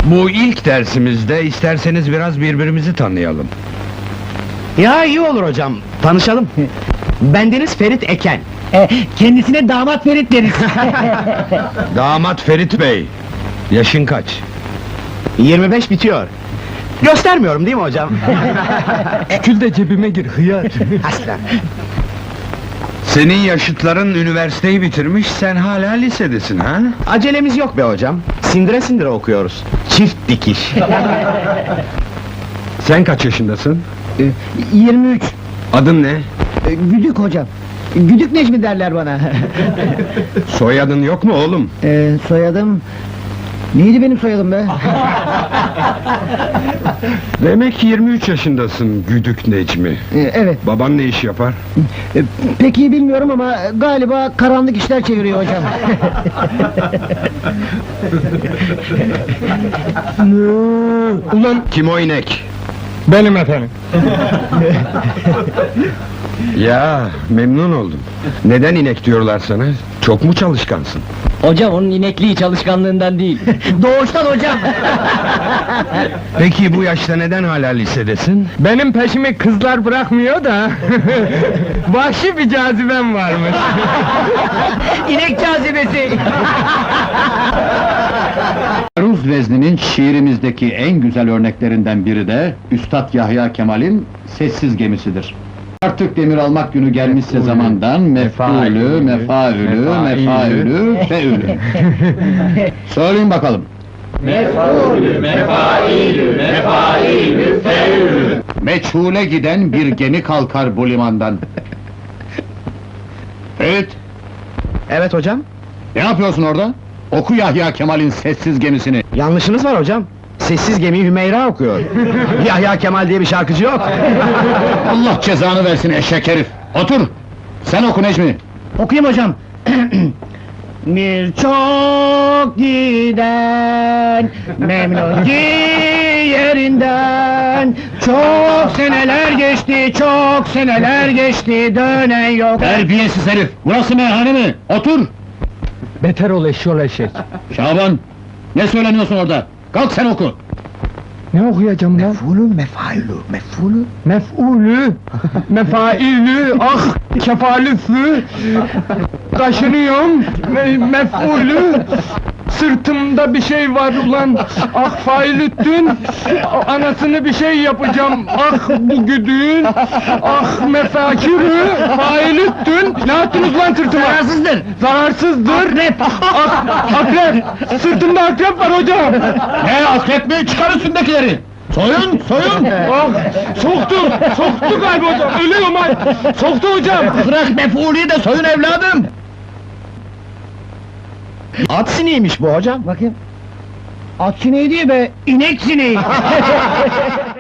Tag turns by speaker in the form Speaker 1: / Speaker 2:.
Speaker 1: Bu ilk dersimizde isterseniz biraz birbirimizi tanıyalım.
Speaker 2: Ya iyi olur hocam, tanışalım. Bendeniz Ferit Eken.
Speaker 3: Kendisine damat Ferit deriz.
Speaker 1: Damat Ferit Bey, yaşın kaç?
Speaker 2: 25 bitiyor. Göstermiyorum değil mi hocam?
Speaker 1: Kül de cebime gir, hıyar!
Speaker 2: Aslan.
Speaker 1: Senin yaşıtların üniversiteyi bitirmiş, sen hala lisedesin ha?
Speaker 2: Acelemiz yok be hocam. Sindire sindire okuyoruz. Çift dikiş.
Speaker 1: Sen kaç yaşındasın?
Speaker 3: 23.
Speaker 1: Adın ne?
Speaker 3: Güdük hocam. Güdük Necmi derler bana.
Speaker 1: Soyadın yok mu oğlum?
Speaker 3: Soyadım... Neydi benim soyadım be?
Speaker 1: Demek ki 23 yaşındasın, Güdük Necmi.
Speaker 3: Evet.
Speaker 1: Baban ne iş yapar?
Speaker 3: Pek iyi bilmiyorum ama galiba karanlık işler çeviriyor hocam.
Speaker 1: Ulan kim o inek?
Speaker 4: Benim efendim.
Speaker 1: Ya, memnun oldum. Neden inek diyorlar sana? Çok mu çalışkansın?
Speaker 3: Hocam onun inekliği çalışkanlığından değil. Doğuştan hocam.
Speaker 1: Peki bu yaşta neden hala lisedesin?
Speaker 4: Benim peşimi kızlar bırakmıyor da... Vahşi bir cazibem varmış.
Speaker 3: İnek cazibesi.
Speaker 5: Aruz vezninin şiirimizdeki en güzel örneklerinden biri de Üstad Yahya Kemal'in Sessiz Gemisidir. Artık demir almak günü gelmişse zamandan mef'ulü, mefaülü, mefaülü, feülü. Söyleyin bakalım.
Speaker 6: Mef'ulü, mefailü, mefailü, feülü.
Speaker 5: Meçhule giden bir gemi kalkar bu limandan. Evet,
Speaker 2: Evet hocam.
Speaker 5: ne yapıyorsun orada? Oku Yahya Kemal'in Sessiz Gemisini.
Speaker 2: Yanlışınız var hocam. Sessiz Gemi Hümeyra okuyor. Yahya Kemal diye bir şarkıcı yok.
Speaker 5: Allah cezanı versin eşek herif! Otur! Sen oku Necmi!
Speaker 3: Okuyayım hocam. Bir çok giden memnun ki yerinden. Çok seneler geçti, çok seneler geçti, dönen yok.
Speaker 5: Terbiyesiz herif! Burası meyhane mi? Otur!
Speaker 4: Beter ol eşşol eşek.
Speaker 5: Şaban! Ne söyleniyorsun orada? Kalk sen oku!
Speaker 4: Ne okuyacağım lan? Mef'ulü, mefailü, ah kefalüflü, kaşınıyorum, mef'ulü, sırtımda bir şey var ulan, ah failüttün, anasını bir şey yapacağım, ah bu güdüğün, ah mefakirü, failüttün, ne yaptınız lan sırtıma?
Speaker 3: Zararsızdır.
Speaker 4: Zararsızdır.
Speaker 3: Akrep.
Speaker 4: Akrep, sırtımda akrep var hocam.
Speaker 5: Ne akrep mi? Çıkar üstündekileri! Soyun, soyun!
Speaker 4: Ah, soktu galiba hocam, ölüyorum ay! Soktu hocam!
Speaker 5: Bırak mef'ulüyü de soyun evladım!
Speaker 2: At sineğiymiş bu hocam.
Speaker 3: Bakayım. At sineği değil be, inek sineği.